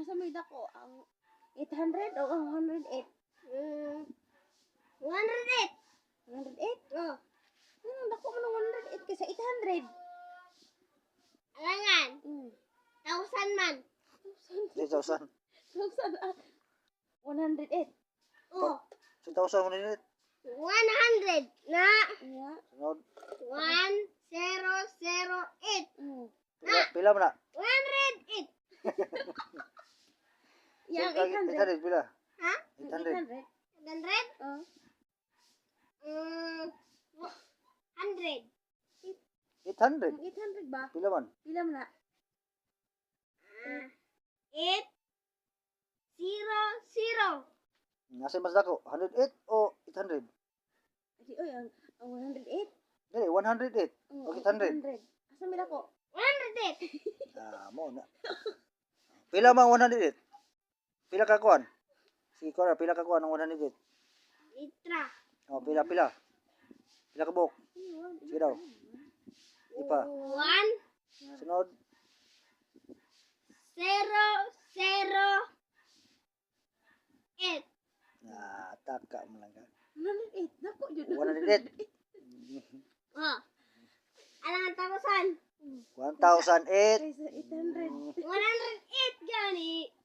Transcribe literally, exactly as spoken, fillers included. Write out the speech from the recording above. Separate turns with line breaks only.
asa may dako ang eight hundred o ang one hundred eight?
Mm, one hundred eight.
one hundred eight?
Oh,
Hmm, dako man ang one hundred eight kaysa eight hundred.
alangan.
Hmm.
Thousand man.
three thousand.
Thousand ah. one hundred eight.
Oh,
two thousand one hundred.
one hundred na
Yeah.
Sunod.
one zero zero eight.
Hmm.
Pila, pila mo na?
one hundred eight.
Yang
eight
eight hundred.
hundred, pila?
Ha?
eight
eight
hundred.
hundred.
eight hundred?
Oh.
Mm, one hundred.
eight hundred.
Ang eight hundred ba?
Pila man?
Pila man na?
Ah, eight zero zero.
Nasa mas dako? one hundred eight o eight hundred?
Adi oy ang, ang one hundred eight.
Dili, one hundred eight.
Oh,
O
ang
eight hundred.
Asa may dako?
one hundred eight.
Ah, mo na. Pila man one hundred eight? Pila ka kuan? Sige ko na, pila ka kuan ang one hundred eight?
Litra.
Oh, pila, pila. Pila ka buok? Sige daw. Ipa.
One
Sunod.
zero zero eight.
Ah, taka mo lang ka.
one hundred eight. Dako jud.
one hundred eight.
Oh. Alangan tapusan.
one thousand eight.
Kaysa eight hundred.
one hundred eight gani.